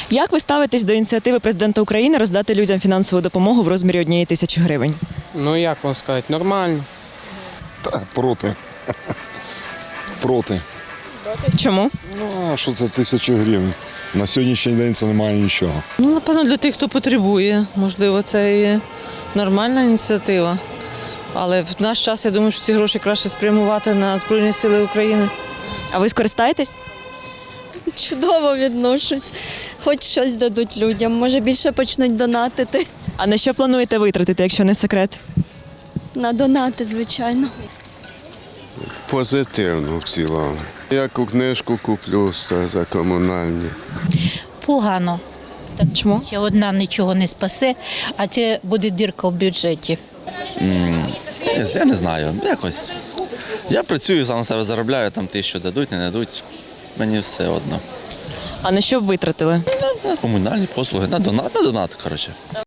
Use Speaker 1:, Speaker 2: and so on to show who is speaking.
Speaker 1: Як ви ставитесь до ініціативи президента України роздати людям фінансову допомогу в розмірі 1 тисячі гривень?
Speaker 2: Ну як вам сказати, нормально.
Speaker 3: Та, проти. Проти.
Speaker 1: Чому?
Speaker 3: Ну, а що це 1000 гривень? На сьогоднішній день це немає нічого.
Speaker 4: Ну, напевно, для тих, хто потребує. Можливо, це і нормальна ініціатива. Але в наш час, я думаю, що ці гроші краще спрямувати на Збройні Сили України.
Speaker 1: А ви скористаєтесь?
Speaker 5: Чудово відношусь. Хоч щось дадуть людям, може більше почнуть донатити.
Speaker 1: А на що плануєте витратити, якщо не секрет?
Speaker 5: На донати, звичайно.
Speaker 6: Позитивно в цілому. Яку книжку куплю за комунальні.
Speaker 7: Погано.
Speaker 1: Чому?
Speaker 7: Ще одна нічого не спасе, а це буде дірка в бюджеті.
Speaker 8: Я не знаю, якось. Я працюю, сам на себе заробляю, там 1000 дадуть, не дадуть. Мені все одно.
Speaker 1: А на що б витратили?
Speaker 8: На комунальні послуги, на донат, коротше.